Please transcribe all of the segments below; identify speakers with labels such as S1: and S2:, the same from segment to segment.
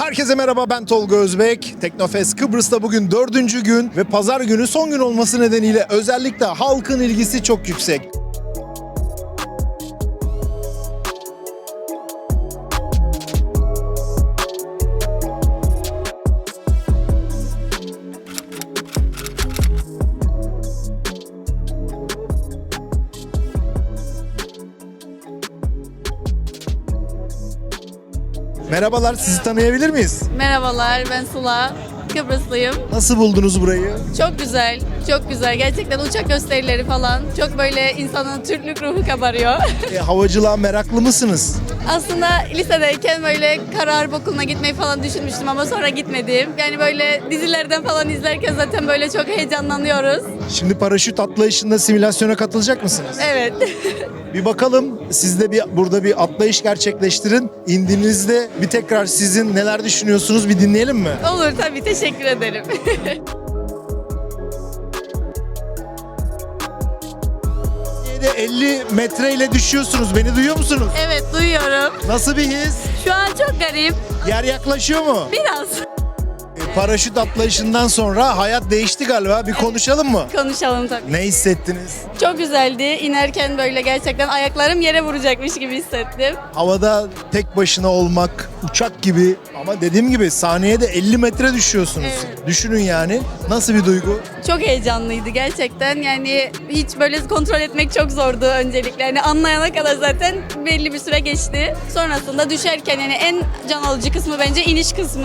S1: Herkese merhaba, ben Tolga Özbek. Teknofest Kıbrıs'ta bugün 4. gün ve pazar günü son gün olması nedeniyle özellikle halkın ilgisi çok yüksek. Merhabalar, sizi tanıyabilir miyiz?
S2: Merhabalar, ben Sıla. Kıbrıslıyım.
S1: Nasıl buldunuz burayı?
S2: Çok güzel, çok güzel. Gerçekten uçak gösterileri falan. Çok böyle insanın Türklük ruhu kabarıyor.
S1: Havacılığa meraklı mısınız?
S2: Aslında lisedeyken böyle kara harp okuluna gitmeyi falan düşünmüştüm ama sonra gitmedim. Yani böyle dizilerden falan izlerken zaten böyle çok heyecanlanıyoruz.
S1: Şimdi paraşüt atlayışında simülasyona katılacak mısınız?
S2: Evet.
S1: Bir bakalım, siz de burada bir atlayış gerçekleştirin. İndiğinizde bir tekrar sizin neler düşünüyorsunuz bir dinleyelim mi?
S2: Olur tabii, teşekkür ederim.
S1: 50 metreyle düşüyorsunuz. Beni duyuyor musunuz?
S2: Evet, duyuyorum.
S1: Nasıl bir his?
S2: Şu an çok garip.
S1: Yer yaklaşıyor mu?
S2: Biraz.
S1: Paraşüt atlayışından sonra hayat değişti galiba. Bir konuşalım mı?
S2: Konuşalım tabii.
S1: Ne hissettiniz?
S2: Çok güzeldi. İnerken böyle gerçekten ayaklarım yere vuracakmış gibi hissettim.
S1: Havada tek başına olmak, uçak gibi ama dediğim gibi saniyede 50 metre düşüyorsunuz.
S2: Evet.
S1: Düşünün yani. Nasıl bir duygu?
S2: Çok heyecanlıydı gerçekten. Yani hiç böyle kontrol etmek çok zordu öncelikle. Yani anlayana kadar zaten belli bir süre geçti. Sonrasında düşerken yani en can alıcı kısmı bence iniş kısmı.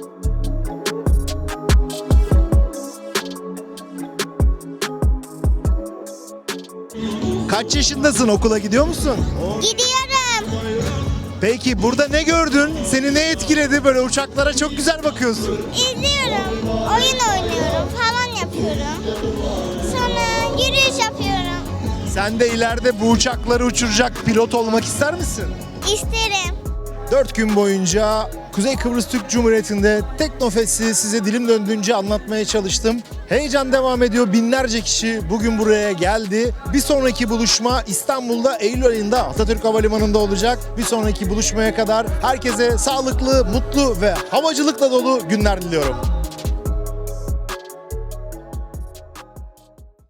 S1: Kaç yaşındasın? Okula gidiyor musun?
S3: Gidiyorum.
S1: Peki burada ne gördün? Seni ne etkiledi? Böyle uçaklara çok güzel bakıyorsun.
S3: İzliyorum. Oyun oynuyorum falan yapıyorum. Sonra yürüyüş yapıyorum.
S1: Sen de ileride bu uçakları uçuracak pilot olmak ister misin?
S3: İsterim.
S1: 4 gün boyunca Kuzey Kıbrıs Türk Cumhuriyeti'nde Teknofest'i size dilim döndüğünce anlatmaya çalıştım. Heyecan devam ediyor. Binlerce kişi bugün buraya geldi. Bir sonraki buluşma İstanbul'da Eylül ayında Atatürk Havalimanı'nda olacak. Bir sonraki buluşmaya kadar herkese sağlıklı, mutlu ve havacılıkla dolu günler diliyorum.